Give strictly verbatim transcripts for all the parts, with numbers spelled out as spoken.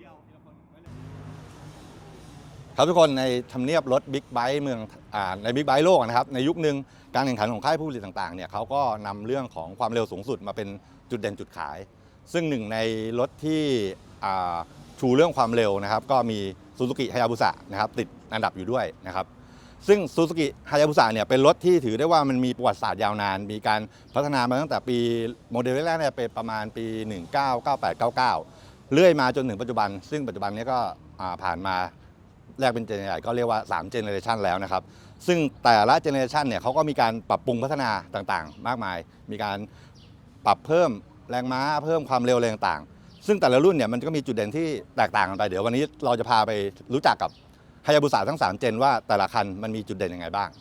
ครับทุกคนในทำเนียบรถบิ๊กไบค์เมืองอ่าในบิ๊กไบค์โลกนะครับในยุคนึงการแข่งขันของค่ายผู้ผลิตต่างๆเนี่ยเขาก็นำเรื่องของความเร็วสูงสุดมาเป็นจุดเด่นจุดขายซึ่งหนึ่งในรถที่ชูเรื่องความเร็วนะครับก็มีซูซูกิฮายาบุสะนะครับติดอันดับอยู่ด้วยนะครับซึ่งซูซูกิฮายาบุสะเนี่ยเป็นรถที่ถือได้ว่ามันมีประวัติศาสตร์ยาวนานมีการพัฒนามาตั้งแต่ปีโมเดลแรกเนี่ยเป็นประมาณปีหนึ่งเก้าเก้าแปดเก้าเก้าเรื่อยมาจนถึงปัจจุบันซึ่งปัจจุบันนี้ก็ผ่านมาแรกเป็นเจเนอเรชันก็เรียกว่าสามเจเนอเรชันแล้วนะครับซึ่งแต่ละเจเนอเรชันเนี่ยเขาก็มีการปรับปรุงพัฒนาต่างๆมากมายมีการปรับเพิ่มแรงม้าเพิ่มความเร็วอะไรต่างๆซึ่งแต่ละรุ่นเนี่ยมันก็มีจุดเด่นที่แตกต่างกันไปเดี๋ยววันนี้เราจะพาไปรู้จักกับฮายาบุสะทั้งสามเจนว่าแต่ละคันมันมีจุดเด่นยังไงบ้าง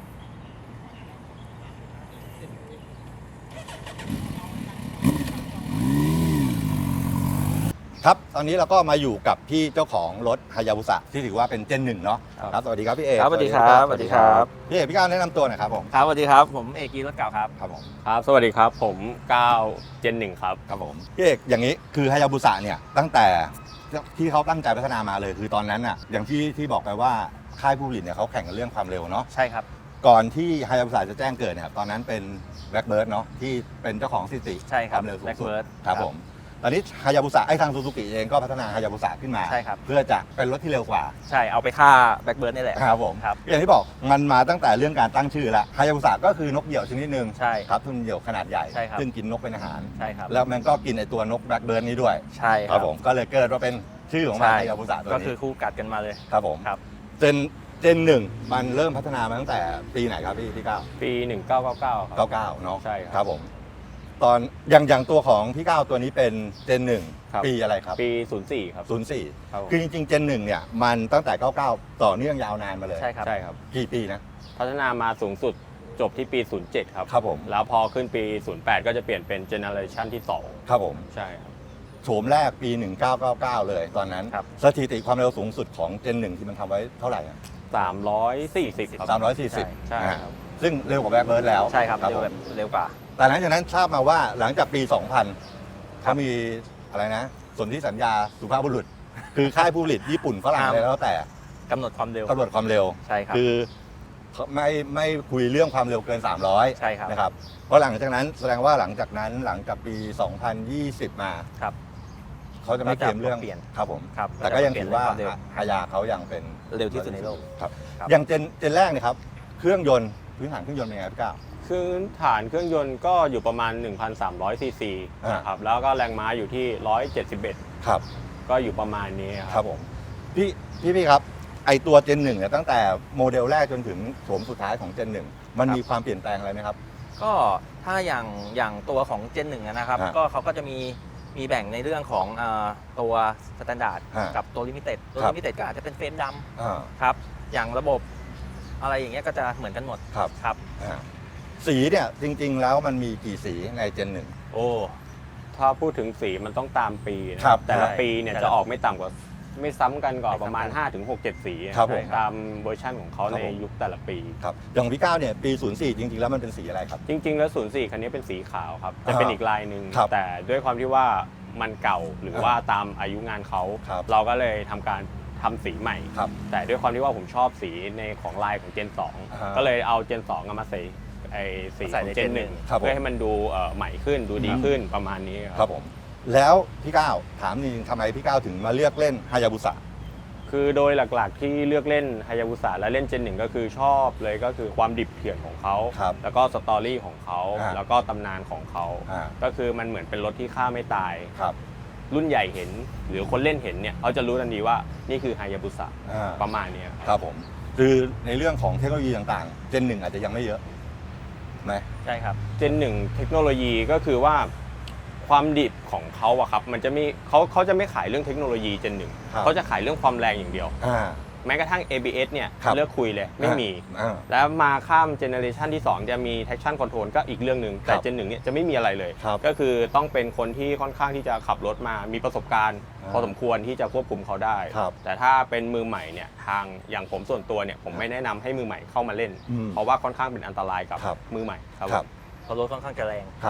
ครับตอนนี้เราก็มาอยู่กับพี่เจ้าของรถฮายาบุสะที่ถือว่าเป็นเจนหนึ่งเนาะครับสวัสดีครับพี่เอกครับสวัสดีครับสวัสดีครับพี่เอกพี่ก้าวแนะนำตัวหน่อยครับผมครับสวัสดีครับผมเอกกีรถเก่าครับครับผมครับสวัสดีครับผมก้าวเจนหนึ่งครับครับผมพี่เอกอย่างนี้คือฮายาบุสะเนี่ยตั้งแต่ที่เขาตั้งใจพัฒนามาเลยคือตอนนั้นน่ะอย่างที่ที่บอกไปว่าค่ายผู้ผลิตเนี่ยเขาแข่งกันเรื่องความเร็วเนาะใช่ครับก่อนที่ฮายาบุสะจะแจ้งเกิดเนี่ยตอนนั้นเป็นแบล็คเบิร์ดเนาะที่เป็นเจ้าของสถิติความเร็วสูงสุดครับผมตอนนี้ฮายาบุสะไอ้ทางซูซูกิเองก็พัฒนาฮายาบุสะขึ้นมาใช่ครับเพื่อจะเป็นรถที่เร็วกว่าใช่เอาไปฆ่าแบล็คเบิร์ดนี่แหละครับผมครับอย่างที่บอกมันมาตั้งแต่เรื่องการตั้งชื่อละฮายาบุสะก็คือนกเหยี่ยวชนิดหนึ่งใช่ครับทุนเหยี่ยวขนาดใหญ่ใช่ครับซึ่งกินนกเป็นอาหารใช่ครับแล้วมันก็กินไอ้ตัวนกแบล็คเบิร์ดนี้ด้วยใช่ครับผมก็เลยเกิดว่าเป็นชื่อของมันฮายาบุสะตัวนี้ก็คือคู่กัดกันมาเลยครับผมครับเจนเจนหนึ่งมันเริ่มพัฒนามาตั้งแต่ปีไหนครับพี่พี่ก้าวปีหนึ่งเก้าเก้าเก้าครับเก้าเก้าเนาะใช่ครับผมตอนอย่างอย่างตัวของพี่ก้าวตัวนี้เป็นเจนหนึ่งปีอะไรครับปีศูนย์สี่ครับศูนย์สี่คือจริงๆเจนหนึ่งเนี่ยมันตั้งแต่เก้าเก้าต่อเนื่องยาวนานมาเลยใช่ครับใช่ครับกี่ปีนะพัฒนามาสูงสุดจบที่ปีศูนย์เจ็ดครับครับผมแล้วพอขึ้นปีศูนย์แปดก็จะเปลี่ยนเป็นเจเนอเรชันที่สองครับผมใช่ครับโฉมแรกปีหนึ่งเก้าเก้าเก้าเลยตอนนั้นสถิติความเร็วสูงสุดของเจนหนึ่งที่มันทำไว้เท่าไหร่อ่ะสามร้อยสี่สิบครับสามร้อยสี่สิบใช่ครับซึ่งเร็วกว่าแบล็คเบิร์ดแล้วใช่ครับเร็วแบบเร็วกว่าแต่หลังจากนั้นทราบมาว่าหลังจากปีสองพันเขามีอะไรนะสนธิสัญญาสุภาพบุรุษคือค่ายผู้ผลิตญี่ปุ่นฝรั่งอะไรแล้วแต่กำหนดความเร็วกำหนดความเร็วใช่ครับคือไม่ไม่คุยเรื่องความเร็วเกินสามร้อยใช่ครับนะครับเพราะหลังจากนั้นแสดงว่าหลังจากนั้นหลังจากปีสองพันยี่สิบมาครับเขาจะไม่เคลมเรื่องเปลี่ยนครับผมครับแต่ก็ยังถือว่าฮายาเขายังเป็นเร็วที่สุดในโลกครับอย่างเจนเจนแรกเนี่ยครับเครื่องยนต์พื้นฐานเครื่องยนต์เป็นไงพี่ก้าวคือฐานเครื่องยนต์ก็อยู่ประมาณ หนึ่งพันสามร้อย ซีซีนะครับแล้วก็แรงม้าอยู่ที่หนึ่งร้อยเจ็ดสิบเอ็ดครับก็อยู่ประมาณนี้ครับผมพี่พี่พี่ครับไอตัวเจนหนึ่งเนี่ยตั้งแต่โมเดลแรกจนถึงโฉมสุดท้ายของเจนหนึ่งมันมีความเปลี่ยนแปลงอะไรไหมครับก็ถ้าอย่างอย่างตัวของเจนหนึ่งนะครับก็เขาก็จะมีมีแบ่งในเรื่องของตัวสแตนดาร์ดกับตัวลิมิเต็ดตัวลิมิเต็ดก็อาจจะเป็นเฟรมดำครับอย่างระบบอะไรอย่างเงี้ยก็จะเหมือนกันหมดครับครับสีเนี่ยจริงๆแล้วมันมีกี่สีในเจนหนึ่งโอ้ถ้าพูดถึงสีมันต้องตามปีนะครับแต่ละปีเนี่ยจะออกไม่ต่ำกว่าไม่ซ้ำกันก่อนประมาณ ห้าถึงหก เจ็ด สีตามเวอร์ชันของเขาในยุคแต่ละปีครับอย่างพี่ก้าวเนี่ยปีศูนย์สี่จริงๆแล้วมันเป็นสีอะไรครับจริงๆแล้วศูนย์สี่คันนี้เป็นสีขาวครับจะเป็นอีกลายหนึ่งแต่ด้วยความที่ว่ามันเก่าหรือว่าตามอายุงานเขาเราก็เลยทำการทำสีใหม่แต่ด้วยความที่ว่าผมชอบสีในของลายของเจนสองก็เลยเอาเจนสองมาใส่ไอ้สีของเจนหนึ่งเพื่อให้มันดูใหม่ขึ้นดูดีขึ้นประมาณนี้ครับผมแล้วพี่ก้าวถามจริงๆทำไมพี่ก้าวถึงมาเลือกเล่นฮายาบุสะคือโดยหลักๆที่เลือกเล่นฮายาบุสะและเล่นเจนหนึ่งก็คือชอบเลยก็คือความดิบเถื่อนของเขาแล้วก็สตอรี่ของเขาแล้วก็ตำนานของเขาก็คือมันเหมือนเป็นรถที่ฆ่าไม่ตายรุ่นใหญ่เห็นหรือคนเล่นเห็นเนี่ยเขาจะรู้ทันทีว่านี่คือฮายาบุสะประมาณนี้ครับผมคือในเรื่องของเทคโนโลยีต่างๆเจนหนึ่งอาจจะยังไม่เยอะไหมใช่ครับเจนหนึ่งเทคโนโลยีก็คือว่าความดิบของเขาอะครับมันจะมีเขาเขาจะไม่ขายเรื่องเทคโนโลยีเจนหนึ่งเขาจะขายเรื่องความแรงอย่างเดียวแม้กระทั่ง เอ บี เอส เนี่ยเลิกคุยเลยไม่มีแล้วมาข้ามเจเนอเรชันที่สองจะมี traction control ก็อีกเรื่องหนึ่งแต่เจนหนึ่งเนี่ยจะไม่มีอะไรเลยก็คือต้องเป็นคนที่ค่อนข้างที่จะขับรถมามีประสบการณ์พอสมควรที่จะควบคุมเขาได้แต่ถ้าเป็นมือใหม่เนี่ยทางอย่างผมส่วนตัวเนี่ยผมไม่แนะนำให้มือใหม่เข้ามาเล่นเพราะว่าค่อนข้างเป็นอันตรายกับมือใหม่ครับเพราะรถค่อนข้างจะแรงครับ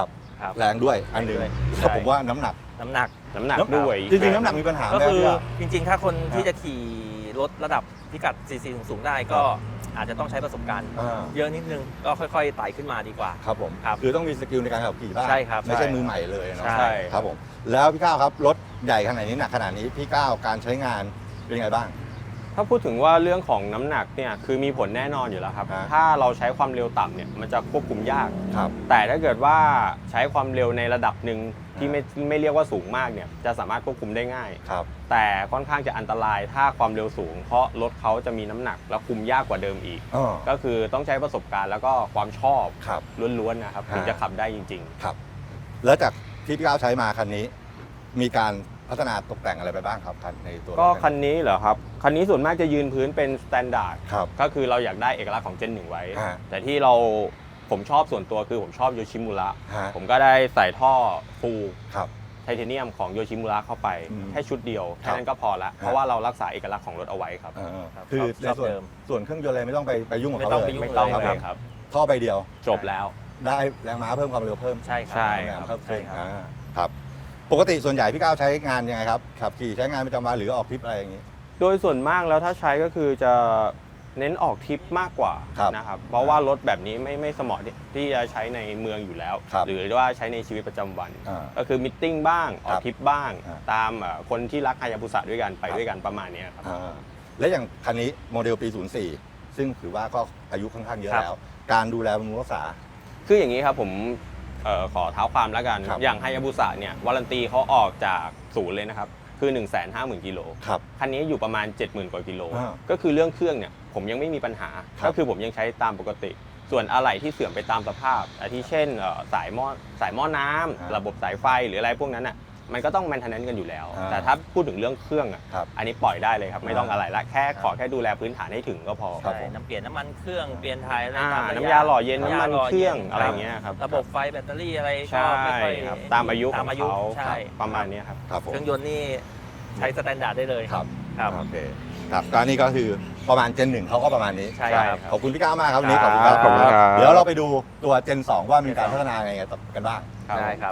ครับแรงด้วยอันหนึงแรงด้วยแล้วผมว่าน้ำหนักน้ำหนักน้ำหนักน้ำด้วยจริงๆน้ำหนักมีปัญหาก็ไหมคือพี่ว่าจริงๆ ถ้าคนครับที่จะขี่รถระดับพิกัด ซี ซี สูงๆได้ก็อาจจะต้องใช้ประสบการณ์อ่าเยอะนิดนึงก็ค่อยๆไต่ขึ้นมาดีกว่าครับผมครับคือต้องมีสกิลในการขับขี่บ้างใช่ครับไม่ใช่ใช่มือใหม่เลยเนาะใช่ครับผมแล้วพี่ก้าวครับรถใหญ่ขนาดนี้หนักขนาดนี้พี่ก้าวการใช้งานเป็นยังไงบ้างถ้าพูดถึงว่าเรื่องของน้ำหนักเนี่ยคือมีผลแน่นอนอยู่แล้วครับฮะถ้าเราใช้ความเร็วต่ำเนี่ยมันจะควบคุมยากครับแต่ถ้าเกิดว่าใช้ความเร็วในระดับหนึ่งที่ฮะไม่ไม่เรียกว่าสูงมากเนี่ยจะสามารถควบคุมได้ง่ายครับแต่ค่อนข้างจะอันตรายถ้าความเร็วสูง เพราะรถเขาจะมีน้ำหนักและคุมยากกว่าเดิมอีกอ๋อก็คือต้องใช้ประสบการณ์แล้วก็ความชอบครับล้วนๆนะครับฮะถึงจะขับได้จริงครับ แล้วจากที่พี่ก้าวใช้มาคันนี้ มีการพัฒนาตกแต่งอะไรไปบ้างครับคันในตัวรถๆ ก็คันนี้เหรอครับ คันนี้ส่วนมากจะยืนพื้นเป็นสแตนดาร์ดครับก็คือเราอยากได้เอกลักษณ์ของเจนหนึ่งไว้ฮะแต่ที่เราผมชอบส่วนตัวคือผมชอบโยชิมุระฮะผมก็ได้ใส่ท่อฟูครับไทเทเนียมของโยชิมุระเข้าไปอืมแค่ชุดเดียวครัแค่บนั้นก็พอละเพราะว่าเรารักษาเอกลักษณ์ของรถเอาไว้ครับเออครับคือชในอบส่วนเดิมส่วนเครื่องยนต์อะไรไม่ต้องไปไปยุ่งกับไม่เขาต้องเลยไปยุ่งไม่ต้องเลยเลยครับท่อใบเดียวจบแล้วได้แรงม้าเพิ่มความเร็วเพิ่มใช่ครับใช่แรงเพิ่มใช่ขึ้นครับอ่าครับ ปกติส่วนใหญ่พี่ก้าวใช้งานยังไงครับขับขี่ใช้งานประจำวันหรือออกทริปอะไรอย่างนี้โดยส่วนมากแล้วถ้าใช้ก็คือจะเน้นออกทริปมากกว่าครับนะครับ เพราะว่ารถแบบนี้ไม่ไม่สมเหมาะที่ที่จะใช้ในเมืองอยู่แล้วครับหรือว่าใช้ในชีวิตประจำวันอ่าก็คือมิทติ้งบ้างออกทริปบ้างอ่าตามเอ่อคนที่รักฮายาบุสะด้วยกันไปครับด้วยกันประมาณเนี้ยครับอ่าและอย่างคันนี้โมเดลปี ศูนย์สี่ ซึ่งถือว่าก็อายุค่อนข้างเยอะครับแล้ว การดูแลบำรุงรักษาคืออย่างนี้ครับผมเอ่อขอเท้าความแล้วกันครับอย่างฮายาบุสะเนี่ยวารันตีเขาออกจากศูนย์เลยนะครับ คือ หนึ่งแสนห้าหมื่น กิโลครับคันนี้อยู่ประมาณ เจ็ดหมื่น กว่ากิโลอ่าก็คือเรื่องเครื่องเนี่ยผมยังไม่มีปัญหาครับก็คือผมยังใช้ตามปกติ ส่วนอะไหล่ที่เสื่อมไปตามสภาพอาทิเช่นเอ่อสายหม้อสายหม้อน้ำอ่าระบบสายไฟหรืออะไรพวกนั้นอ่ะมันก็ต้องแมนเทนแนนซ์กันอยู่แล้วอ่าแต่ถ้าพูดถึงเรื่องเครื่องอ่ะครับอันนี้ปล่อยได้เลยครับไม่ต้องอ่าอะไรละแค่ขอแค่ดูแลพื้นฐานให้ถึงก็พอครับใช่ผมน้ำเปลี่ยนน้ำมันเครื่องเปลี่ยนไทยอะไรอ่าตามระะน้ำยาหล่อเย็นำน้ำมันหล่เครื่องย็นอะไรอย่างเงี้ยครับระบบไฟแบตเตอรี่อะไรก็ใช่ไม่ค่อยครับตามอายุขตาองมอายุเขาใช่ประมาณเนี้ยครับครับผมเครื่องยนต์นี่ใช้สแตนดาร์ดได้เลยครับครับโอเคครับก็นี่ก็คือประมาณเจนหนึ่งเขาก็ประมาณนี้ใช่ครับขอบคุณพี่ก้าวมากครับวันนี้ขอบคุณครับขอบคุณครับเดี๋ยวเราไปดูตัวเจนสองว่ามีการพัฒนายังไงกันบ้างได้ครับ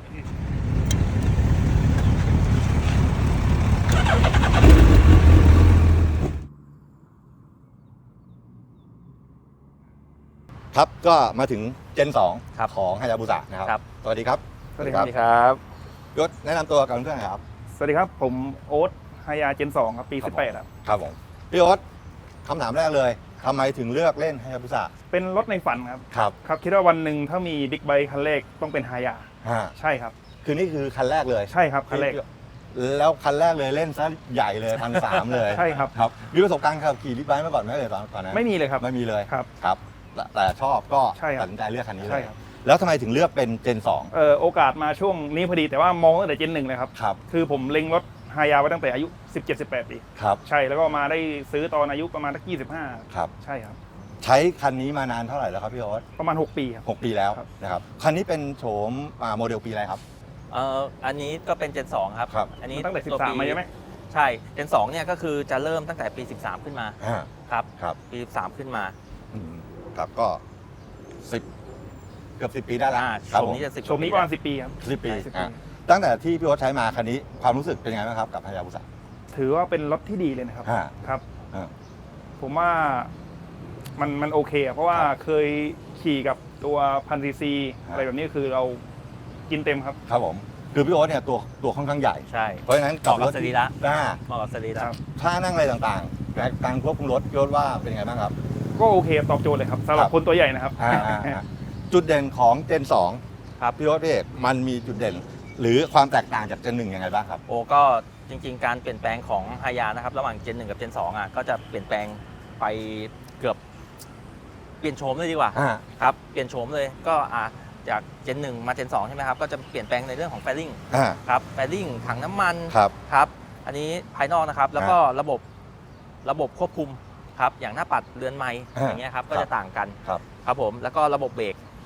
ครับก็มาถึงเจนสองครับของฮายาบุสะนะครับครับสวัสดีครับสวัสดีครับครับยศแนะนำตัวกับเพื่อนๆหน่อยครับสวัสดีครับ ผมโอ๊ตไฮยาเจนสองครับ ปีครับสิบแปดครับครับผมพี่โอ๊ตคำถามแรกเลยทำไมถึงเลือกเล่นฮายาบุสะเป็นรถในฝันครับครับครับ คิดว่าวันหนึ่งถ้ามีบิ๊กไบค์คันแรกต้องเป็นไฮยาฮะใช่ครับคือนี่คือคันแรกเลยใช่ครับ คันแรกแล้วคันแรกเลยเล่นซะใหญ่เลยพันสามเลยใช่ครับครับมีประสบการณ์ขับขี่บิ๊กไบค์มาก่อนไหมเลยตอนตอนนั้นไม่มีเลยครับไม่มีเลยครับครับแต่แต่ชอบก็ใช่ครับตัดสินใจเลือกคันนี้เลใช่ยครับแล้วทำไมถึงเลือกเป็นเจนสองเอ่อโอกาสมาช่วงนี้พอดีแต่ว่ามองตั้งแต่เจนหนึ่งเลยครับครับคือผมเล็งรถไฮยาไว้ตั้งแต่อายุ สิบเจ็ด สิบแปด ปีครับใช่ แล้วก็มาได้ซื้อตอนอายุประมาณสักยี่สิบห้าครับใช่ครับใช้คันนี้มานานเท่าไหร่แล้วครับพี่โอ๊ตประมาณหกปีครับหกปีแล้วครับนะครับคันนี้เป็นโฉมอ่าโมเดลปีอะไรครับเอ่ออันนี้ก็เป็นเจนสองครับครับอันนี้ตั้งแต่วสิบสามปีมาใช่ไหมใช่เจนสองเนี่ยก็คือจะเริ่มตั้งแต่ปีสิบสามขึ้นมาอ่าครับครับปีสิบสามขึ้นมาอืมครับก็สิบเกือบสิบปีได้แล้วอ่าครับชมผมนี้จะสิบชมนี้ประมาณสิบปีครับสิบปีใช่สิบปีอ่ะตั้งแต่ที่พี่โอ๊ตใช้มาคันนี้ความรู้สึกเป็นยังไงบ้างครับกับฮายาบุสะถือว่าเป็นรถที่ดีเลยนะครับอ่าครับอ่าผมว่ามันมันโอเคอะเพราะว่าครับเคยขี่กับตัวพันซีซีครับอะไรแบบนี้คือเรากินเต็มครับครับผมคือพี่โอ๊ตเนี่ยตัวตัวค่อนข้างใหญ่ใช่เพราะฉะนั้นเหมาะกับสรีระหน้าเหมาะกับสรีระครับท่านั่งอะไรต่างๆและการควบคุมรถพี่โอ๊ตว่าเป็นยังไงบ้างครับก็โอเคตอบโจทย์เลยครับสำหรัครับ บคนตัวใหญ่นะครับอ่าอ่าอ่าจุดเด่นของเจนสองครับพี่โอ๊ตพี่เอกมันมีจุดเด่น หรือความแตกต่างจากเจนหนึ่งยังไงบ้างครับโอ้ก็จริงๆ การเปลี่ยนแปลงของฮายานะครับระหว่างเจนหนึ่งกับเจนสองอ่ะก็จะเปลี่ยนแปลงไปเกือบเปลี่ยนโฉมเลยดีกว่าอ่าครับเปลี่ยนโฉมเลยก็อ่ะจากเจนหนึ่งมาเจนสองใช่ไหมครับก็จะเปลี่ยนแปลงในเรื่องของแฟลิ่งอ่าครับแฟลิ่งถังน้ำมันครับครับอันนี้ภายนอกนะครับแล้วก็ระบบระบบควบคุมครับอย่างหน้าปัดเรือนไม้อ่าอย่างเงี้ยครับก็ครับจะต่างกันครับครับผมแล้วก็ระบบเบรก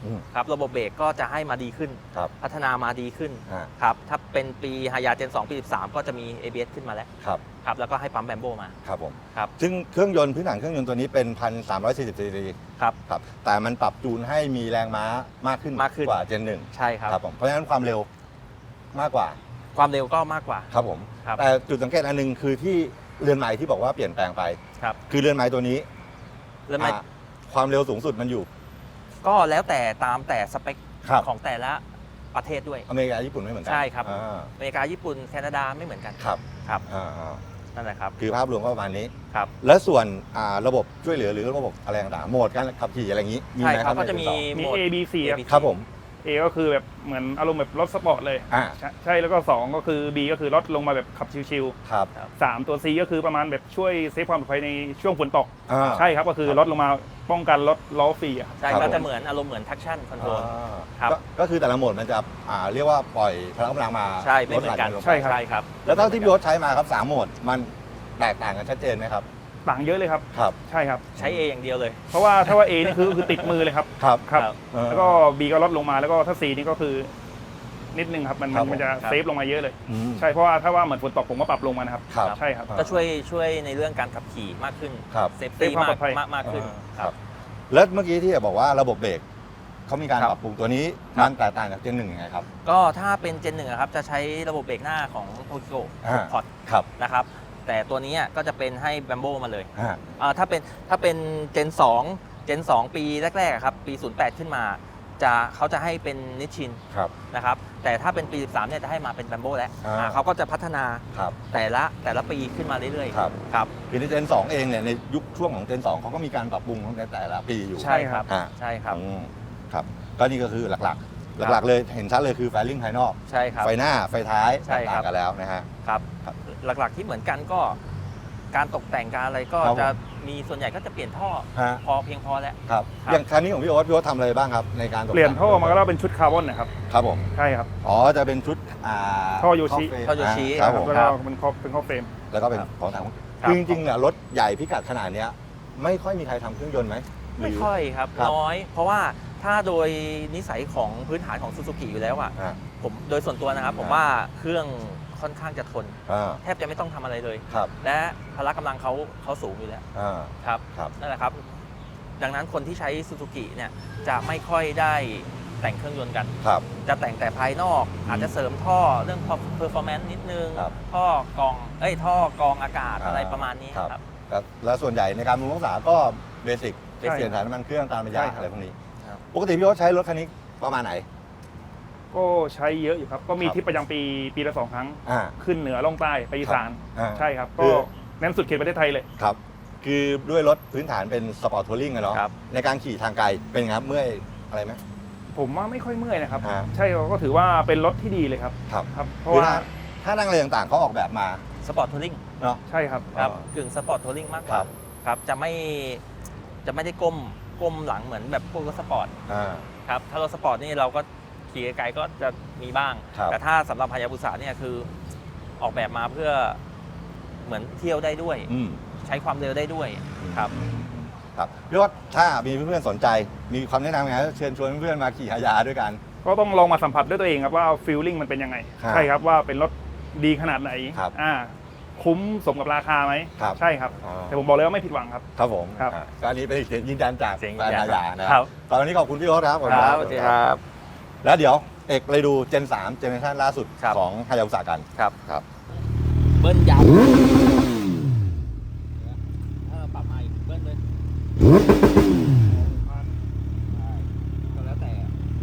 อืมครับระบบเบรกก็จะให้มาดีขึ้นครับพัฒนามาดีขึ้นอ่าครับถ้าเป็นปีฮายาเจนสองปีสิบสามก็จะมี เอ บี เอส ขึ้นมาแล้วครับครับแล้วก็ให้ปั๊มแบมโบมาครับผมครับซึ่งเครื่องยนต์พื้นฐานเครื่องยนต์ตัวนี้เป็น หนึ่งพันสามร้อยสี่สิบ ซีซีครับครับแต่มันปรับจูนให้มีแรงม้ามากขึ้นมากขึ้นกว่าเจนหนึ่งใช่ครับครับผมเพราะฉะนั้นความเร็วมากกว่าความเร็วก็มากกว่าครับผมครับแต่จุดสังเกตอันหนึงคือที่เรือนไม้ที่บอกว่าเปลี่ยนแปลงไปครับคือเรือนไม้ตัวนี้แล้วไม่อ่าความเร็วสูงสุดมันอยู่ก็แล้วแต่ตามแต่สเปคครับของแต่ละประเทศด้วยอเมริกาญี่ปุ่นไม่เหมือนกัใช่ครับอ่าอเมริกาญี่ปุ่นแคนาดาไม่เหมือนกันครับครับอ่าอ่านั่นแหละครับคือภาพรวมก็ประมาณนี้ครับและส่วนอ่าระบบช่วยเหลือหรือระบบอะไรต่างๆโหมดการขับขี่อะไรอย่างนี้มีใช่ไหมคครัรับบ ก็จะมีในมีโหมด A B C ครับ A B C ครับผม A ก็คือแบบเหมือนอารมณ์แบบรถสปอร์ตเลยอ่าใช่ใช่แล้วก็สองก็คือ B ก็คือรถลงมาแบบขับชิวครับๆสามตัว C ก็คือประมาณแบบช่วยเซฟความปลอดภัยในช่วงฝนตกอ่าใช่ครับก็คือครับรถลงมาป้องกันรถล้อฟรีอะครับใช่ครับก็ผมจะเหมือนอารมณ์เหมือน traction control อ่าครับก็ก็คือแต่ละโหมดมันจะอ่าเรียกว่าปล่อยพลังกำลังมาใช่ไม่เหมือนกันลดหลั่ลงไปใช่ครับใช่ครับแล้วเท่าที่พี่โอ๊ตใช้มาครับสามโหมดมันแตกต่างกันชัดเจนไหมครับต่างเยอะเลยครับครับใช่ครับใช้ A อย่างเดียวเลยเพราะว่าถ้าว่า A นี่คือคือติดมือเลยครับครับครับครับเออแล้วก็ B ก็ลดลงมาแล้วก็ถ้า C นี่ก็คือนิดนึงครับมันครับมันจะครับเซฟลงมาเยอะเลยอืมใช่เพราะว่าถ้าว่าเหมือนฝนตกผมก็ปรับลงมานะครับครับใช่ครับก็ช่วยช่วยในเรื่องการขับขี่มากขึ้นครับเซฟตี้เซฟความมากปลอดภัยมากมากขึ้นครับ แล้วเมื่อกี้ที่บอกว่าระบบเบรกเขามีการครับปรับปรุงตัวนี้ครับมันแตกต่างจากเจนหนึ่งยังไงครับก็ถ้าเป็นเจนหนึ่งครับจะใช้ระบบเบรกหน้าของโ o กิโกอ่าพอร์ตครับนะครับแต่ตัวนี้ก็จะเป็นให้แบมโบมาเลยอ่าอ่าถ้าเป็นถ้าเป็นเจนสองเจนสองปีแรกๆอะครับปีศูนย์แปดขึ้นมาจะเขาจะให้เป็นนิชชินครับนะครับแต่ถ้าเป็นปีสิบสามเนี่ยจะให้มาเป็นแบมโบแล้วอ่าอ่าเขาก็จะพัฒนาครับแต่ละแต่ละปีขึ้นมาเรื่อยๆครับครับคือในเจนสองเองเนี่ยในยุคช่วงของเจนสองเขาก็มีการปรับปรุงในแต่ละปีอยู่ใช่ครับอ่าใช่ครับอืมครับก็นี่ก็คือหลักๆ หลักๆเลยเห็นชัดเลยคือไฟลิ่งภายนอกใช่ครับไฟหน้าไฟท้ายใช่ครับต่างๆกันแล้วนะฮะครับครับหลักๆที่เหมือนกันก็การตกแต่งการอะไรก็ครับผมจะมีส่วนใหญ่ก็จะเปลี่ยนท่อฮะพอเพียงพอแล้วครับครับอย่างคันนี้ของพี่โอ๊ตพี่โอ๊ตทำอะไรบ้างครับในการตกแต่งเปลี่ยนท่อมาก็เป็นชุดคาร์บอนนะครับครับผมใช่ครับอ๋อจะเป็นชุดอ่าท่อโยชิเฟรมท่อโยชิครับผมแล้วก็เป็นข้อเป็นข้อเฟรมแล้วก็เป็นครับของทางครับคือจริงๆเนี่ยรถใหญ่พิกัดขนาดเนี้ยไม่ค่อยมีใครทำเครื่องยนต์ไหมหรืไม่ค่อยครับครับน้อย เพราะว่าถ้าโดยนิสัยของพื้นฐานของซูซูกิอยู่แล้วอะอ่าผมโดยส่วนตัวนะครับ ผมอ่าว่าเครื่องค่อนข้างจะทนอ่าแทบจะไม่ต้องทำอะไรเลยครับและพละกำลังเขาเขาสูงอยู่แล้วอ่าครับครับนั่นแหละครับ ดังนั้นคนที่ใช้ซูซูกิเนี่ยจะไม่ค่อยได้แต่งเครื่องยนต์กันครับจะแต่งแต่ภายนอก อาจจะเสริมท่อเรื่อง performance นิดนึงครับท่อกรองเอ้ยท่อกรองอากาศอ่าอะไรประมาณนี้ครับครับแล้วแล้วส่วนใหญ่ในการบำรุงรักษาก็เบสิก Basic เปลี่ยนถ่ายน้ำมันเครื่องตามระยะใช่ครับอะไรพวกนี้ครับปกติพี่โอ๊ตใช้รถคันนี้ประมาณไหนก็ใช้เยอะอยู่ครับ ก็มีครับทริปประจำปีปีละสองครั้งอ่าขึ้นเหนือล่องใต้ไปอีสานอ่าใช่ครับคืก็อแน่นสุดเขตประเทศไทยเลยครับ คือด้วยรถพื้นฐานเป็นสปอร์ตทัวริงอะเนาะครับในการขี่ทางไกลเป็นไงครับเมื่อยอะไรไหมผมว่าไม่ค่อยเมื่อยนะครับฮะใช่ก็ถือว่าเป็นรถที่ดีเลยครับครับครับ เพราะคือว่าถ้าถ้านั่งอะไรต่างๆเขาออกแบบมาสปอร์ตทัวริงเนาะใช่ครับครับอ๋อกึ่งสปอร์ตทัวริงมากกคว่ารับครับจะไม่จะไม่ได้ก้มก้มหลังเหมือนแบบพวกรถสปอร์ตอ่าครับถ้ารถสปอร์ตนี่เราก็ขี่ไกลๆก็จะมีบ้างครับแต่ถ้าสำหรับฮายาบุสะเนี่ยคือออกแบบมาเพื่อเหมือนเที่ยวได้ด้วยอืมใช้ความเร็วได้ด้วยครับครับพี่โอ๊ตถ้ามีเพื่อนๆสนใจ มีความแนะนำไงเชิญชวนเพื่อนๆมาขี่ฮายาด้วยกันก็ต้องลองมาสัมผัสด้วยตัวเองครับว่าฟีลลิ่งมันเป็นยังไงครับใช่ครับว่าเป็นรถดีขนาดไหนครับอ่าคุ้มสมกับราคาไหมครับใช่ครับอ๋อแต่ผมบอกเลยว่าไม่ผิดหวังครับครับผมครับอ่าก็อันนี้เป็นอีกเสียงยืนยันจากเสียงแฟยืนนยันฮายานะครับ ตอนนี้ขอบคุณพี่โอ๊ตครับขอบคุณครับสวัสดีครับแล้วเดี๋ยวเอกเลยดูเจนสามเจเนอเรชันล่าสุดครับของฮายาบุสะกันครับครับเบิ้ลยาวเออปรับมาอีกเบิ้ลเลยก็แล้วแต่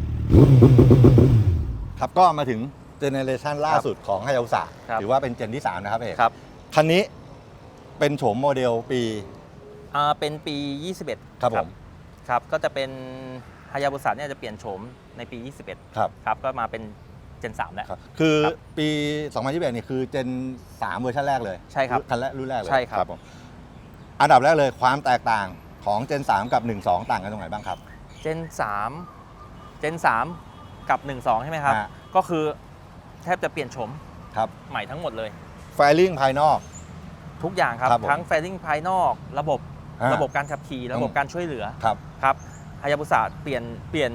ครับก็มาถึงเจเนอเรชันล่าสุดของฮายาบุสะครับถือว่าเป็นเจนที่สามนะครับเอกครับคันนี้เป็นโฉมโมเดลปีอ่าเป็นปียี่สิบเอ็ดครับผมครับก็จะเป็นฮายาบุสะเนี่ยจะเปลี่ยนโฉมในปียี่สิบเอ็ดครับครับก็มาเป็นเจนสามแล้วครับคือครับปี สองพันยี่สิบเอ็ดนี่คือเจนสามเวอร์ชันแรกเลยใช่ครับคันแรกรุ่นแรกเลยใช่ครับผมอันดับแรกเลยความแตกต่างของเจนสามกับหนึ่งสองต่างกันตรงไหนบ้างครับเจนสามเจนสามกับหนึ่งสองใช่ไหมครับฮะก็คือแทบจะเปลี่ยนโฉมครับใหม่ทั้งหมดเลยไฟลิ่งภายนอกทุกอย่างครับครับผมทั้งแฟลิ่งภายนอก ระบบอ่าระบบการขับขี่ระบบอืมการช่วยเหลือครับครับฮายาบุสะเปลี่ยนเปลี่ยน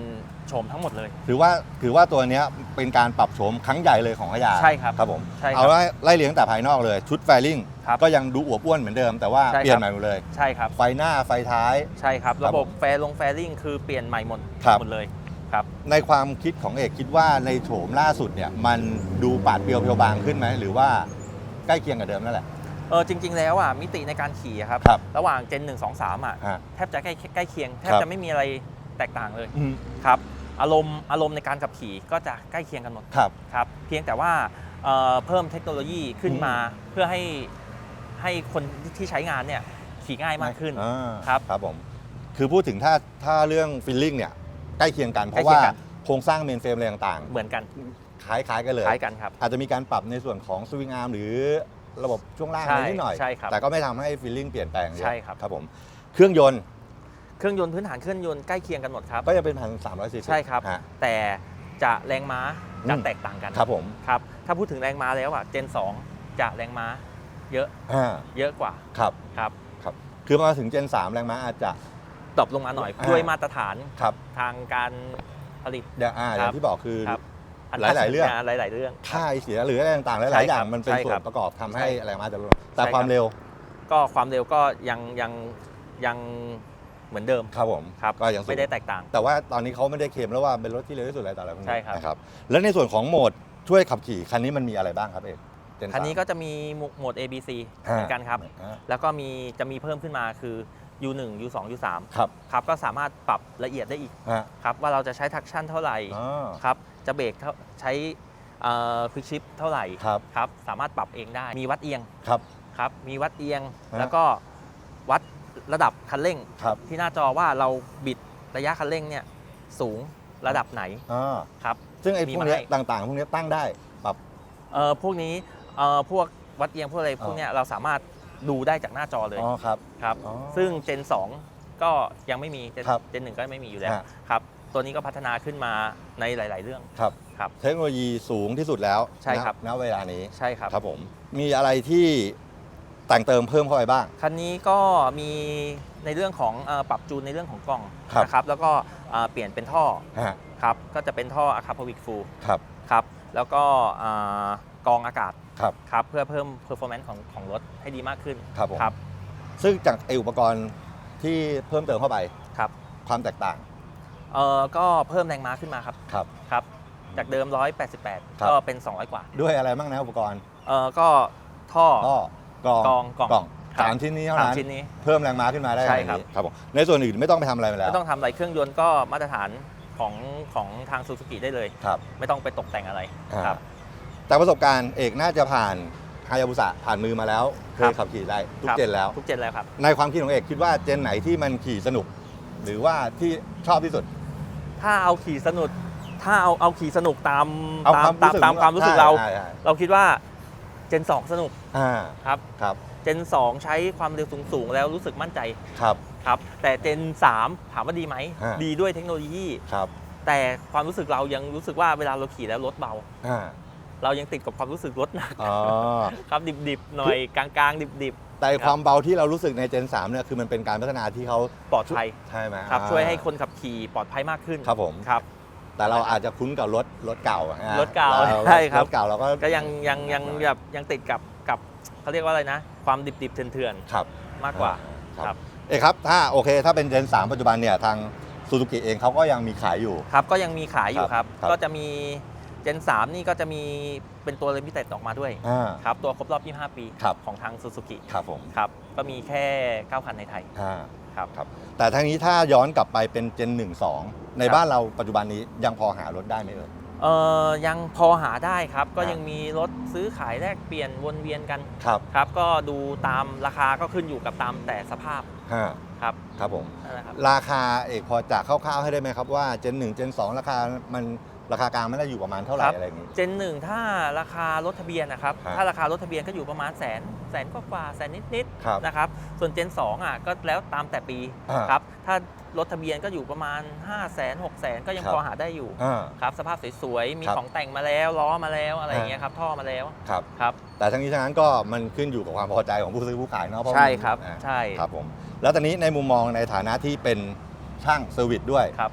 โฉมทั้งหมดเลยถือว่าถือว่าตัวเนี้ยเป็นการปรับโฉมครั้งใหญ่เลยของขยาใช่ครับครับผมใช่ครับเอาไล่ไล่เลี้ยงแต่ภายนอกเลยชุดแฟลิงครับก็ยังดูอวบอ้วนเหมือนเดิม แต่ว่าใช่ครับเปลี่ยนใหม่หมดเลยใช่ครับไฟหน้าไฟท้ายใช่ครับครับระบบผมแฟลงแฟลิ่งคือเปลี่ยนใหม่หมดครับหมดเลยครับในความคิดของเอกคิดว่าในโฉมล่าสุดเนี่ยมันดูปาดเปรียวเพียวบางขึ้นไหมหรือว่าใกล้เคียงกับเดิมนั่นแหละเออจริง ๆ แล้วอ่ะมิติในการขี่อะครับครับระหว่างเจนหนึ่ง สอง สามอ่ะฮะแทบจะใกล้ใกล้เคียงแทบครับจะไม่มีอะไรแตกต่างเลยอืมครับอารมณ์อารมณ์ในการขับขี่ก็จะใกล้เคียงกันหมดครับครับเพียงแต่ว่าเอ่อเพิ่มเทคโนโลยีขึ้นมาเพื่อให้ให้คนที่ใช้งานเนี่ยขี่ง่ายมากขึ้นอ่าครับครับผมคือพูดถึงถ้าถ้าเรื่องฟิลลิ่งเนี่ยใกล้เคียงกันเพใกล้ราะเคียว่างกันโครงสร้างเมนเฟรมอะไรต่างเหมือนกันๆ คล้ายๆกันเลยคล้ายกันครับอาจจะมีการปรับในส่วนของสวิงอาร์มหรือระบบช่วงล่างใช่อะไรนิดหน่อยใช่ครับแต่ก็ไม่ทำให้ฟีลลิ่งเปลี่ยนแปลงเยอะใช่ครับครับผมเครื่องยนต์เครื่องยนต์พื้นฐานเครื่องยนต์ใกล้เคียงกันหมดครับก็ยังเป็นพันสามร้อยซีซีใช่ครับฮะแต่จะแรงม้าจะอืมแตกต่างกันครับผมครับถ้าพูดถึงแรงม้าแล้วอ่ะเจนสองจะแรงม้าเยอะอ่าเยอะกว่าครับครับครับคือมาถึงเจนสามแรงม้าอาจจะดรอปลงมาหน่อยอ่าด้วยมาตรฐานครับทางการผลิตอย่างอ่าอย่างที่บอกคือครับหลายๆเรื่องหลาย ๆ เรื่องค่าไอเสียหรืออะไรต่างๆหใช่ลายๆอครัย่างบมันเป็นใช่ส่วครันบประกอบทำให้ใช่แรงม้าจะลดแต่ใช่ความครับเร็วก็ความเร็วก็ยังยังยังเหมือนเดิมครับผมครับก็ยังสูงไม่ได้แตกต่างแต่ว่าตอนนี้เขาไม่ได้เคลมแล้วว่าเป็นรถที่เร็วที่สุดอะไรต่ออะไรพวกนี้ใช่ครับนะครับแล้วในส่วนของโหมดช่วยขับขี่คันนี้มันมีอะไรบ้างครับเอกเจนสามคันนี้ก็จะมีโหมด A B C เหมือนกันครับอ่าแล้วก็มีจะมีเพิ่มขึ้นมาคือ ยู หนึ่ง ยู สอง ยู สามครับครับก็สามารถปรับละเอียดได้อีกฮะครับว่าเราจะใช้ทักชั่นเท่าไหร่อ๋อครับจะเบรกเท่าใช้ควิกชิปเท่าไหร่ครับครับสามารถปรับเองได้มีวัดเอียงครับครับมีวัดเอียงฮะแล้วก็วัดระดับคันเร่งครับที่หน้าจอว่าเราบิดระยะคันเร่งเนี่ยสูงระดับไหนอ่าครับซึ่งไอ้มีพวกมาเนี้ยให้ต่างๆ พวกเนี้ยตั้งได้ปรับเอ่อพวกนี้เอ่อพวกวัดเอียงพวกอะไรพวกเนี้ยเราสามารถดูได้จากหน้าจอเลยอ๋อครับครับอ๋อซึ่งเจนสองก็ยังไม่มีเจนครับเจนหนึ่งก็ไม่มีอยู่แล้วฮะครับตัวนี้ก็พัฒนาขึ้นมาในหลาย ๆ เรื่องครับครับเทคโนโลยีสูงที่สุดแล้วใช่ครับณณเวลานี้ใช่ครับครับผมมีอะไรที่แต่งเติมเพิ่มเข้าไปบ้างคันนี้ก็มีในเรื่องของเอ่อปรับจูนในเรื่องของกล้องครับนะครับแล้วก็เอ่อเปลี่ยนเป็นท่อฮะครับก็จะเป็นท่ออะคาพวิกฟูครับครับแล้วก็อ่ากรองอากาศครับครับเพื่อเพิ่ม performance ของของรถให้ดีมากขึ้นครับผมครับซึ่งจากไออุปกรณ์ที่เพิ่มเติมเข้าไปครับความแตกต่างเอ่อก็เพิ่มแรงม้าขึ้นมาครับครับครับจากเดิมหนึ่งร้อยแปดสิบแปดครับก็เป็นสองร้อยกว่าด้วยอะไรบ้างนะอุปกรณ์เอ่อก็ท่อก็กรองกรองกรองกล่องครับสามชิ้นนี้เท่าสามนั้นชิ้นนี้เพิ่มแรงม้าขึ้นมาได้ใช่อย่างครับนี้ครับผมในส่วนอื่นไม่ต้องไปทำอะไรมาแล้วไม่ต้องทำอะไรเครื่องยนต์ก็มาตรฐานของของทางซูซูกิได้เลยครับไม่ต้องไปตกแต่งอะไรอ่าครับแต่ประสบการณ์เอกน่าจะผ่านฮายาบุสะผ่านมือมาแล้วเคครัยบขับขี่ได้ทุกครับเจนแล้วทุกเจนแล้วครับในความคิดของเอกคิดว่าเจนไหนที่มันขี่สนุก หรือว่าที่ชอบที่สุดถ้าเอาขี่สนุกถ้าเอาเอาขี่สนุกตามเอาตามความรู้สึกตามความรู้สึกเราใช่ใช่เราคิดว่าเจนสองสนุกอ่าครับครับเจนสองใช้ความเร็วสูงๆแล้วรู้สึกมั่นใจครับครับแต่เจนสามถามว่าดีไหมฮะดีด้วยเทคโนโลยีครับแต่ความรู้สึกเรายังรู้สึกว่าเวลาเราขี่แล้วรถเบาอ่าเรายังติดกับความรู้สึกรถหนักอ๋อครับดิบๆหน่อยกลางๆดิบแต่ความเบาที่เรารู้สึกในเจนสามเนี่ยคือมันเป็นการพัฒนาที่เขาๆปลอดภัยใช่ไหมครับอ่าช่วยให้คนขับขี่ปลอดภัยมากขึ้นครับผมครับแต่เราอาจจะคุ้นกับรถรถเก่าอะฮะรถเก่าเราใช่ครับรถเก่าเราก็ก็ยังยังยังแบบยังติดกับกับเขาเรียกว่าอะไรนะ ความดิบๆเถื่อนครับๆมากกว่าครัครับ บเอกครับถ้าโอเคถ้าเป็นเจนสามปัจจุบันเนี่ยทางซูซูกิเองเขาก็ยังมีขายอยู่ครับก็ยังมีขายอยู่ครับครับก็จะมีเจนสามนี่ก็จะมีเป็นตัวลิมิเต็ดออกมาด้วยอ่าครับตัวครบรอบยี่สิบห้าปีครับของทางซูซูกิครับผมครับก็มีแค่เก้าคันในไทยอ่าครับครับแต่ทั้งนี้ถ้าย้อนกลับไปเป็นเจนหนึ่งสองในครับบ้านเราปัจจุบันนี้ยังพอหารถได้ไหมเอ่ยเอ่อยังพอหาได้ครับ ก็ครับยังมีรถซื้อขายแลกเปลี่ยนวนเวียนกันครับครับ ก็ดูตามราคาก็ขึ้นอยู่กับตามแต่สภาพฮะครับครับผมนั่นแหละครับราคาเอกพอจะคร่าวๆให้ได้ไหมครับว่าเจนหนึ่งเจนสองราคามันราคากลางไม่ได้อยู่ประมาณเท่าไหร่ครับอะไรอย่างนี้เจนหนึ่งถ้าราคารถทะเบียนนะครับฮะถ้าราคารถทะเบียนก็อยู่ประมาณแสนแสนกว่าๆแสนนิดครับๆนะครับส่วนเจนสองอ่ะก็แล้วตามแต่ปีอ่าครับถ้ารถทะเบียนก็อยู่ประมาณ 5 0 0 0 0 0 6 0 0 0 0 ก็ยังครับพอหาได้อยู่อ่าครับสภาพสวยๆมีครับของแต่งมาแล้วล้อมาแล้วอะไรอย่างเงี้ยอ่าครับท่อมาแล้วครับครับแต่ทั้งนี้ทั้งนั้นก็มันขึ้นอยู่กับความพอใจของผู้ซื้อผู้ขายเนาะเพราะใช่มันครับอ่าใช่ครับผมแล้วตอนนี้ในมุมมองในฐานะที่เป็นช่างเซอร์วิสด้วยครับ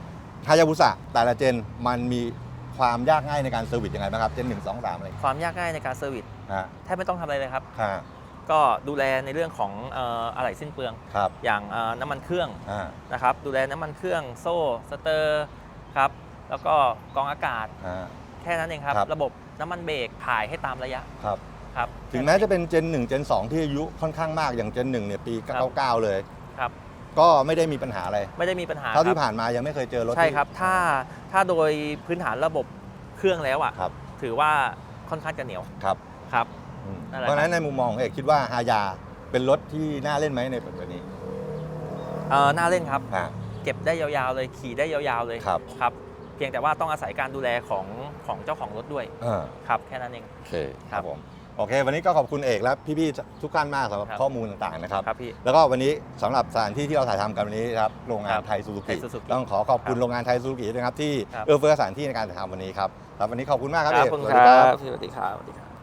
ฮายาบุสะแต่ละเจนมันมีความยากง่ายในการเซอร์วิสยังไงบ้างครับเจนหนึ่งสองสามอะไรความยากง่ายในการเซอร์วิสฮะแทบไม่ต้องทำอะไรเลยครับฮะก็ดูแลในเรื่องของเอ่ออะไหล่สิ้นเปลืองครับอย่างเอ่อน้ำมันเครื่องอ่านะครับดูแลน้ำมันเครื่องโซ่สเตอร์ครับแล้วก็กรองอากาศอ่าแค่นั้นเองครับครับระบบน้ำมันเบรกถ่ายให้ตามระยะครับครับถึงแม้จะเป็นเจนหนึ่งเจนสองที่อายุค่อนข้างมากอย่างเจนหนึ่งเนี่ยปีเก้าเก้าเลยครับก็ไม่ได้มีปัญหาอะไรไม่ได้มีปัญหาเท่าที่ครับผ่านมายังไม่เคยเจอรถใช่ที่ครับถ้าถ้าโดยพื้นฐานระบบเครื่องแล้วอ่ะครับถือว่าค่อนข้างจะเหนียวครับครับอืมนั่นแหละเพราะฉะนั้นในมุมมองของเอกคิดว่าฮายาเป็นรถที่น่าเล่นไหมในปัจจุบันนี้เอ่อน่าเล่นครับอ่าเก็บได้ยาวๆเลยขี่ได้ยาวๆเลยครับครับ เพียงแต่ว่าต้องอาศัยการดูแลของของเจ้าของรถด้วยอ่าครับแค่นั้นเองโอเคครับผมโอเค วันนี้ก็ขอบคุณเอกและพี่ๆทุกท่านมากสำหรับครับข้อมูลต่างๆนะครับครับพี่แล้วก็วันนี้สำหรับสถานที่ที่เราถ่ายทำกันวันนี้ครับโรงงานครับไทยซูซูไทกิย Suzuki ต้องขอขอบคุณครับโรงงานไทยซูซูกิด้วยนะครับที่ครับเอื้อเฟื้อสถานที่ในการถ่ายทำวันนี้ครับครับวันนี้ขอบคุณมากครับเอกขอบคุณสวัคสดีรัครับบสวัสดีครับสวัสดีครับ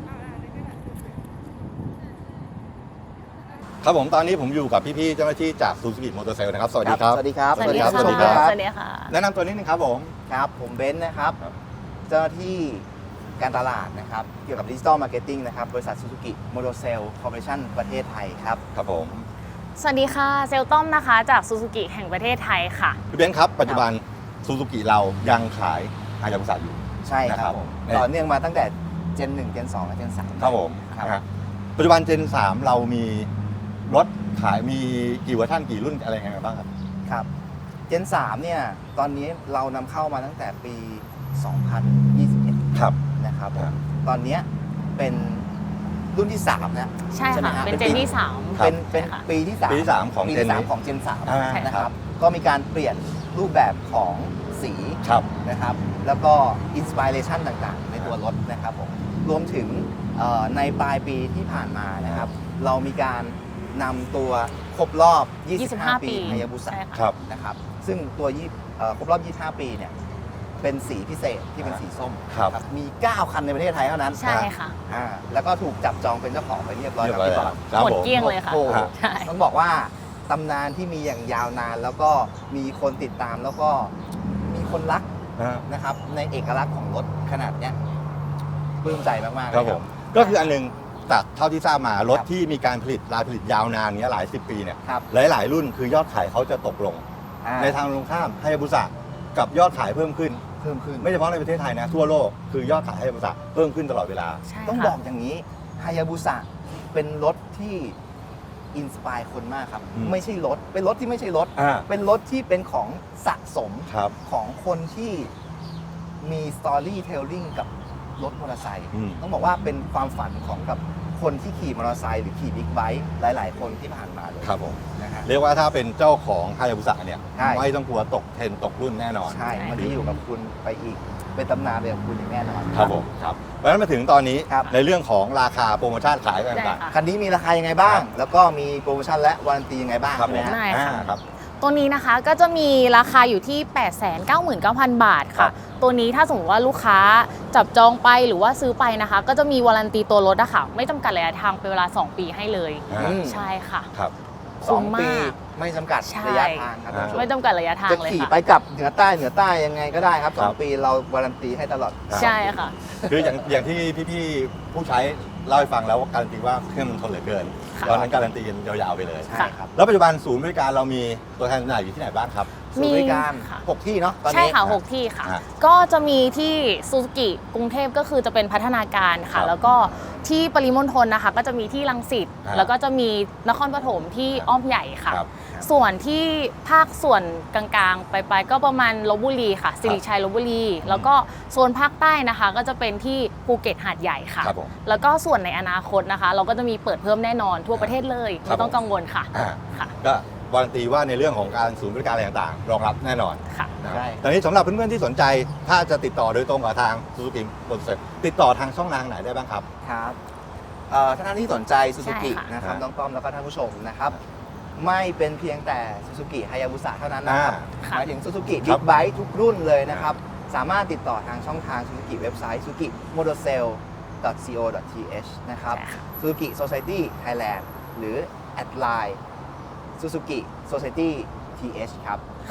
ครับผมตอนนี้ผมอยู่กับพี่ๆเจ้าหน้าที่จากซูซูกิมอเตอร์เซลนะครับสวัสดีครับสวัสดีครับสวัสดีครับสวัสดีครับสวัสดีค่ะแนะนำตัวนิดนึงครับผมครับ ผมเบนซ์นะครับครับเจ้าหน้าที่การตลาดนะครับ เกี่ยวกับดิจิ t a ลมาร์เก็ตติ้งนะครับ บริษัทซูซูกิโมโตเซลคอร์ปอเรชั่นประเทศไทยครับครับผมสวัสดีค่ะ เซลต้อมนะคะ จากซูซูกิแห่งประเทศไทยค่ะพี่เบนซ์ครับปัจจุบันซูซูกิเรายังขายฮายาบุสะอยู่ใช่คนะครัรับบ ผมเนี่ยต่อเนื่องมาตั้งแต่เจนหนึ่งเจนสองและเจนสามครับผมครับนะฮะปัจจุบันเจนสามเรามีรถขายมีกี่เวอร์ชันกี่รุ่นอะไรยังไงบ้างครับครับเจนสามเนี่ย ตอนนี้เรานำเข้ามาตั้งแต่ปี สองพันยี่สิบเอ็ดครับนะครับผครัมบตอนเนี้ยเป็นรุ่นที่สามนะใช่ใช่ไหมค่ะฮะเป็นเจเป็นนปีที่สามครับเป็นเป็นใช่ค่ะปีที่สามปีที่สามของปีเจนที่สามนี้ของเจนสามอ่านะคครัรับบก็มีการเปลี่ยนรูปแบบของสีครับนะครับ แล้วก็อินสปิเรชันต่างๆ ในตัวรถนะครับผม รวมถึงเอ่อในปลายปีที่ผ่านมานะครับ เรามีการนำตัวครบรอบ ยี่สิบห้า 25 ปีฮายาบุสะใช่ค่ะครับนะครับ ซึ่งตัวยี่เอ่อครบรอบ ยี่สิบห้า ปีเนี่ย เป็นสีพิเศษที่เป็นสีส้มครับนะมี เก้า คันในประเทศไทยเท่านั้นใช่ค่ะอ่าแล้วก็ถูกจับจองเป็นเจ้าของไปเรียบร้อยเรียแล้บวร้อยพี่บแล้อวลครับหมดผมเกลี้ยงเลยค่ะโอ้โหใช่ต้องบอกว่าตำนานที่มีอย่างยาวนาน แล้วก็มีคนติดตามแล้วก็มีคนรักนะฮะนะครับ ในเอกลักษณ์ของรถขนาดเนี้ยปลื้มใจมากๆเลยครับผม ก็คืออันหนึงจากเท่าที่ทราบมารถครับที่มีการผลิตรายผลิตยาวนานเนี้ยหลายสิบปีเนี่ยครับหลาย ๆ รุ่นคือยอดขายเขาจะตกลงอ่าในทางตรงข้ามฮายาบุสะกับยอดขายเพิ่มขึ้นเพิ่มขึ้นไม่เฉพาะในประเทศไทยนะ ทั่วโลกคือยอดขายฮายาบุสะเพิ่มขึ้นตลอดเวลาใช่ต้องค่ะบอกอย่างนี้ฮายาบุสะเป็นรถที่อินสปายคนมากครับอืมไม่ใช่รถ เป็นรถที่ไม่ใช่รถอ่าเป็นรถที่เป็นของสะสมครับของคนที่มีสตอรี่เทลลิ่งกับรถมอเตอร์ไซค์อืมต้องบอกว่าเป็นความฝันของกับคนที่ขี่มอเตอร์ไซค์หรือขี่บิ๊กไบค์หลาย ๆ คนที่ผ่านมาเลยครับผมนะฮะเรียกว่าถ้าเป็นเจ้าของฮายาบุสะเนี่ยใช่ไม่ต้องกลัวตกเทรนด์ตกรุ่นแน่นอนใช่ มันจะอยู่กับคุณไปอีก เป็นตำนานไปกับคุณอย่างแน่นอนครับผมครับเพราะฉะนั้นมาถึงตอนนี้ครับในเรื่องของราคาโปรโมชั่นขายได้ต่างค่ะคันนี้มีราคายังไงบ้างครับแล้วก็มีโปรโมชั่นและวารันตียังไงบ้างๆครับใช่ผไหมมฮะได้ค่ะอ่าครับตัวนี้นะคะก็จะมีราคาอยู่ที่ แปดแสนเก้าหมื่นเก้าพัน บาทครัค่ะบตัวนี้ถ้าสมมติว่าลูกค้าจับจองไปหรือว่าซื้อไปนะคะ ก็จะมีวารันตีตัวรถอะค่ะไม่จำกัดระยะทางเป็นเวลา สอง ปีให้เลยอ่าอืมใช่ค่ะครับสองคุ้มมากปีไม่จำกัดใช่ระยะทางครับท่านผู้ชไม่มจำกัดระยะทางจะเลยขี่ค่ะไปกลับเหนือใต้เหนือใต้ยังไงก็ได้ครับสอคงรับปีเราวารันตีให้ตลอดใช่ค่ะคืออย่างอย่างที่พี่ๆผู้ใช้เล่าให้ฟังแล้วว่าการันตีว่าเครื่องมันทนเหลือเกินค่ะตอนนั้นการันตีกันยาวๆไปเลยใช่ครับแล้วปัจจุบันศูนย์บริการเรามีตัวแทนจำหน่ายอยู่ที่ไหนบ้างครับศูนย์บริการค่ะหกที่เนาะตอนใช่นี้ค่ะ หก ที่ค่ะอ่ะก็จะมีที่ซูซูกิกรุงเทพก็คือจะเป็นพัฒนาการครัค่ะบแล้วก็ที่ปริมณฑลนะคะ ก็จะมีที่รังสิตอ่าแล้วก็จะมีนครปฐมที่อ้อมใหญ่ค่ะครับส่วนที่ภาคส่วนกลางๆ ไปไปก็ประมาณลบบุรีค่ะสิริชัยลบบุรี แล้วก็โซนภาคใต้นะคะ ก็จะเป็นที่ภูเก็ตหาดใหญ่ค่ะครับผมแล้วก็ส่วนในอนาคตนะคะ เราก็จะมีเปิดเพิ่มแน่นอนทั่วประเทศเลยครับไม่ต้องกังวลค่ะอ่าค่ะก็วารันตีว่าในเรื่องของการศูนย์บริการอะไรต่างๆ รองรับแน่นอนค่ะนะครับใช่ตอนนี้สำหรับเพื่อนๆที่สนใจ ถ้าจะติดต่อโดยตรงกับทางซูซูกิโปรเซสติดต่อทางช่องทางไหนได้บ้างครับครับเอ่อถ้าท่านที่สนใจซูซูกิใช่ค่ะนะครับฮะน้องต้อมแล้วก็ท่านผู้ชมนะครับ ไม่เป็นเพียงแต่ซูซูกิฮายาบุสะเท่านั้นนะครับอ่าหมายถึงซูซูกิครับิ๊บกไบค์ทุกรุ่นเลยนะครับ สามารถติดต่อทางช่องทางซูซูกิเว็บไซต์ซูซูกิโมโตเซล โค ที เอช นะครับใช่ค่ะซูซูกิโซ i ายตี้ไทยแลนด์หรือแอดไลน์ซูซูกิโซ i ายตี้ทีเอชครับครับผม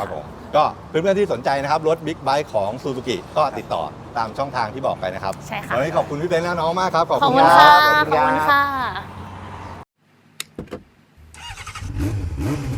ก็เพื่อนๆที่สนใจนะครับรถบิ๊กไบค์ของซูซูกิก็ติดต่อตามช่องทางที่บอกไปนะครับใช่ค่ะวันนี้ขอบคุณพี่เบนซ์และน้องมากครับ ขอบขอบคุณคุณคค่ะรับขอบคุณค่ะ